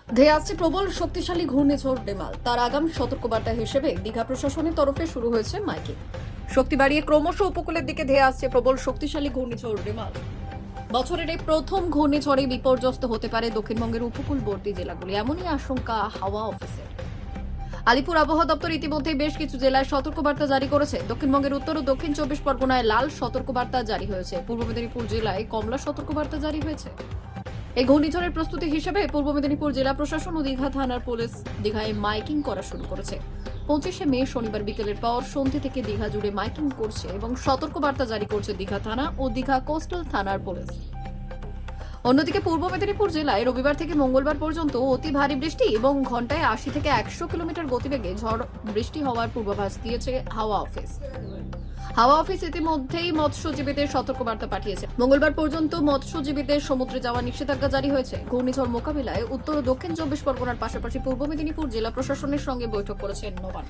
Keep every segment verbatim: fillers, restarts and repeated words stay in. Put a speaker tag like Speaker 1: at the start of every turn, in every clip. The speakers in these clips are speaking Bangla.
Speaker 1: ধেয়ে আসছে প্রবল শক্তিশালী ঘূর্ণিঝড় রেমাল। তার আগাম সতর্কবার্তা হিসেবে দীঘা প্রশাসনের তরফে শুরু হয়েছে মাইকিং। শক্তি বাড়িয়ে ক্রমশ উপকূলের দিকে ধেয়ে আসছে প্রবল শক্তিশালী ঘূর্ণিঝড় রেমাল। বছরের এই প্রথম ঘূর্ণিঝড়ে বিপর্যস্ত হতে পারে দক্ষিণবঙ্গের উপকূলবর্তী জেলাগুলি, এমনই আশঙ্কা হাওয়া অফিসের। আলিপুর আবহাওয়া দপ্তর ইতিমধ্যে বেশ কিছু জেলায় সতর্কবার্তা জারি করেছে। দক্ষিণবঙ্গের উত্তর ও দক্ষিণ চব্বিশ পরগনায় লাল সতর্কবার্তা জারি হয়েছে। পূর্ব মেদিনীপুর জেলায় কমলা সতর্কবার্তা জারি হয়েছে। এই ঘূর্ণিঝড়ের প্রস্তুতি হিসেবে পূর্ব মেদিনীপুর জেলা প্রশাসন ও দীঘা থানার পুলিশ দীঘায় মাইকিং করা শুরু করেছে। পঁচিশে মে শনিবার বিকেলের পর সন্ধ্যে থেকে দীঘা জুড়ে মাইকিং করছে এবং সতর্কবার্তা জারি করছে দীঘা থানা ও দীঘা কোস্টাল থানার পুলিশ। অন্যদিকে পূর্ব মেদিনীপুর জেলায় রবিবার থেকে মঙ্গলবার পর্যন্ত অতি ভারী বৃষ্টি এবং ঘন্টায় আশি থেকে একশো কিলোমিটার গতিবেগে ঝড় বৃষ্টি হওয়ার পূর্বাভাস দিয়েছে হাওয়া অফিস। হাওয়া অফিস ইতিমধ্যেই মৎস্যজীবীদের সতর্কবার্তা পাঠিয়েছে। মঙ্গলবার পর্যন্ত মৎস্যজীবীদের সমুদ্রে যাওয়ার নিষেধাজ্ঞা জারি হয়েছে। ঘূর্ণিঝড় মোকাবিলায় উত্তর ও দক্ষিণ চব্বিশ পরগনার পাশাপাশি পূর্ব মেদিনীপুর জেলা প্রশাসনের সঙ্গে বৈঠক করেছেন নবান্ন।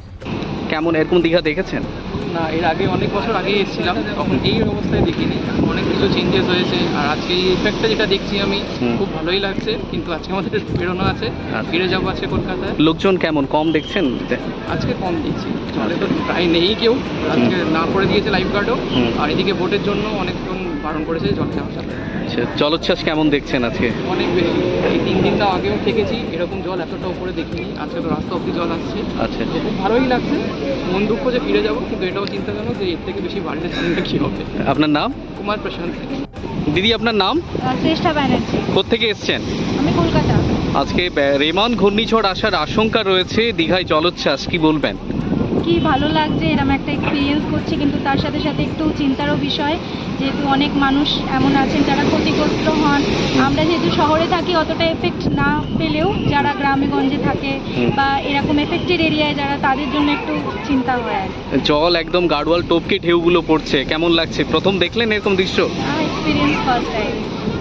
Speaker 2: কেমন এরকম দীঘা দেখেছেন?
Speaker 3: না, এর আগে অনেক বছর আগে এসেছিলাম, তখন এই অবস্থায় দেখিনি। অনেক কিছু চেঞ্জেস হয়েছে, আর আজকে এই ইফেক্টটা যেটা দেখছি আমি খুব ভালোই লাগছে। কিন্তু আজকে আমাদের বেরোনো আছে, ফিরে যাবো আছে কলকাতায়।
Speaker 2: লোকজন কেমন, কম দেখছেন?
Speaker 3: আজকে কম দেখছি, জলে তো প্রায় নেই কেউ। আজকে না করে দিয়েছে লাইফ গার্ডও, আর এদিকে বোটের জন্য অনেকজন বারণ করেছে জল যাওয়ার সাথে।
Speaker 2: আচ্ছা, জলোচ্ছ্বাস কেমন দেখছেন আজকে?
Speaker 3: অনেক বেশি। এই তিন দিনটা আগেও থেকেছি, এরকম জল এতটা উপরে দেখিনি। আজকে তো রাস্তা অব্দি জল আসছে।
Speaker 2: আচ্ছা,
Speaker 3: তো খুব ভালোই লাগছে। মন দুঃখ যে ফিরে যাবো, কিন্তু এটাও চিন্তাজনক যে এর থেকে বেশি বাড়লে সামনে কি হবে।
Speaker 2: আপনার নাম?
Speaker 3: কুমার প্রশান্ত।
Speaker 2: দিদি, আপনার নাম?
Speaker 4: শ্রেষ্ঠা ব্যানার্জি।
Speaker 2: কোত্থেকে এসছেন?
Speaker 4: আমি কলকাতা।
Speaker 2: আজকে রেমান ঘূর্ণিঝড় আসার আশঙ্কা রয়েছে, দীঘায় জলোচ্ছ্বাস, কি বলবেন?
Speaker 4: কি ভালো লাগছে, এরকম একটা এক্সপিরিয়েন্স করছি, কিন্তু তার সাথে সাথে একটু চিন্তারও বিষয়, যেহেতু অনেক মানুষ এমন আছেন যারা ক্ষতিগ্রস্ত হন। আমরা যেহেতু শহরে থাকি, অতটা এফেক্ট না পেলেও যারা গ্রামে গঞ্জে থাকে বা এরকম এফেক্টেড এরিয়ায় যারা, তাদের জন্য একটু চিন্তা হয়।
Speaker 2: জল একদম গাড়োয়াল টপকে ঢেউগুলো পড়ছে, কেমন লাগছে? প্রথম দেখলেন এরকম দৃশ্য?
Speaker 4: Experience first time.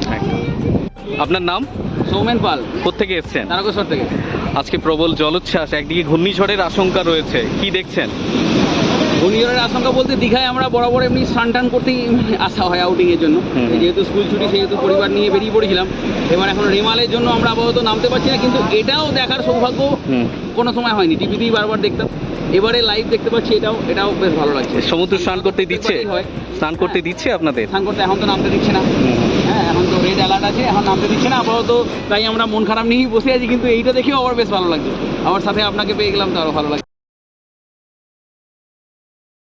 Speaker 2: আপনার নাম?
Speaker 3: সৌমেন পাল।
Speaker 2: কোত্থেকে এসছেন?
Speaker 3: তারকেশ্বর থেকে।
Speaker 2: আজকে প্রবল জলোচ্ছ্বাস, একদিকে ঘূর্ণিঝড়ের আশঙ্কা রয়েছে, কি দেখছেন?
Speaker 3: ঘূর্ণিঝড়ের আশঙ্কা বলতে, দীঘায় আমরা বরাবর এমনি স্নান টান করতেই আসা হয় আউটিংয়ের জন্য। যেহেতু স্কুল ছুটি, সেহেতু পরিবার নিয়ে বেরিয়ে পড়েছিলাম। এবার এখন রেমালের জন্য আমরা আপাতত নামতে পারছি না, কিন্তু এটাও দেখার সৌভাগ্য কোনো সময় হয়নি। টিভিতেই বারবার দেখতাম, এবারে লাইভ দেখতে পাচ্ছি, এটাও এটাও বেশ ভালো লাগছে।
Speaker 2: সমুদ্র স্নান করতে দিচ্ছে? স্নান করতে দিচ্ছে আপনাদের?
Speaker 3: স্নান করতে এখন তো নামতে দিচ্ছে না। হ্যাঁ, এখন তো রেড অ্যালার্ট আছে, এখন নামতে দিচ্ছে না আপাতত। তাই আমরা মন খারাপ নিয়েই বসে আছি, কিন্তু এইটা দেখেও আবার বেশ ভালো লাগছে। আমার সাথে আপনাকে পেয়ে গেলাম, তো আরও ভালো লাগছে।